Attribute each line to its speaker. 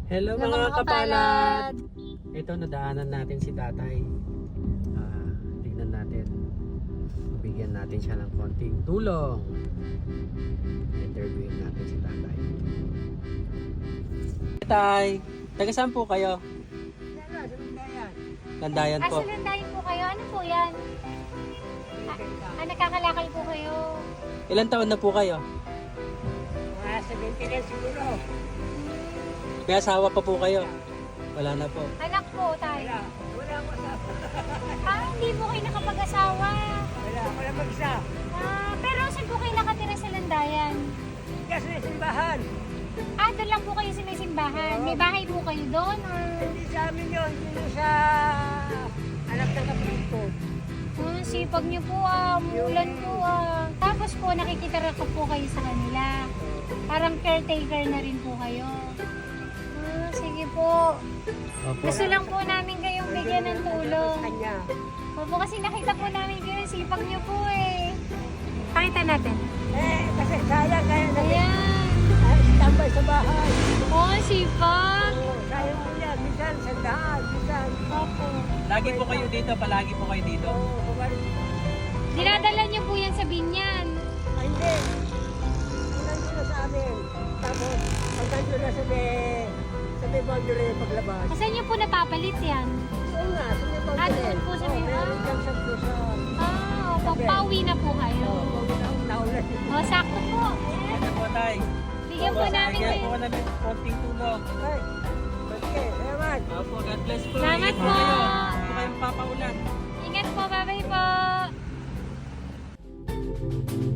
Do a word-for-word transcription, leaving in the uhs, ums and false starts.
Speaker 1: Hello
Speaker 2: Hello,
Speaker 1: mga
Speaker 2: mga
Speaker 1: kapalad!
Speaker 2: kapalad.
Speaker 1: Ito, nadaanan natin si tatay. Ah, tignan natin. Bigyan natin siya ng konting tulong. Interviewin natin si tatay. Tay, taga saan po kayo? Landayan
Speaker 2: Ah,
Speaker 1: po.
Speaker 2: sa Landayan po kayo. Ano po yan? Ah, ah, nakakalakal po kayo.
Speaker 1: Ilan taon na po kayo?
Speaker 3: Mga seventy na siguro.
Speaker 1: May asawa pa po kayo? Wala na po.
Speaker 2: Anak po tayo.
Speaker 3: Wala. Wala ako sa...
Speaker 2: Ah, hindi po kayo nakapag-asawa.
Speaker 3: Wala. Wala mag-isa.
Speaker 2: Ah, pero saan po kayo nakatira sa Landayan?
Speaker 3: Kasi may simbahan.
Speaker 2: Ah, doon lang po kayo sa may simbahan. May bahay po kayo doon? Or...
Speaker 3: Hindi sa amin yun. Yun sa anak ng kapatid ko.
Speaker 2: Ah, sipag niyo po ah. Mulan po ah. Tapos po, nakikitira ko po kayo sa kanila. Parang caretaker na rin po kayo. Ah, sige po.
Speaker 1: Opo.
Speaker 2: Gusto lang po namin kayong bigyan ng tulong.
Speaker 3: Kanya.
Speaker 2: Opo, kasi nakita po namin kayo. Sipag niyo po eh. Pakita natin.
Speaker 3: Eh, kasi sayang kaya na
Speaker 2: Ayan.
Speaker 3: ay, tambay sa bahay.
Speaker 2: Oh, sipag.
Speaker 3: Oo, sayang po yan. Minsan, sandahan. Minsan.
Speaker 2: Opo.
Speaker 1: Lagi po kayo dito, palagi po kayo dito.
Speaker 3: Oo, kumari.
Speaker 2: Dinadala niyo po yan sa binyan.
Speaker 3: Ay, hindi. Ang nandun na sa amin. Tapos, ang nandun na sa may, sa may boundary paglabas.
Speaker 2: Saan niyo po napapalit yan?
Speaker 3: Oo nga, sa may boundary.
Speaker 2: Ah, doon po sa may-
Speaker 3: Oo, meron dyan sa Luzon.
Speaker 2: Ah, opo. Pauwi na po kayo.
Speaker 3: Oo, na- naulan.
Speaker 2: Oh, sakto po.
Speaker 1: Ito po, tay.
Speaker 2: Bigyan po namin
Speaker 1: Bigyan
Speaker 2: kayo.
Speaker 1: po namin konting tulong.
Speaker 3: Ay, okay, salamat.
Speaker 1: Opo, God bless po.
Speaker 2: Salamat
Speaker 1: Ingat
Speaker 2: po.
Speaker 1: kayo. Huwag po kayong papaulan.
Speaker 2: Ingat po. Bye-bye po.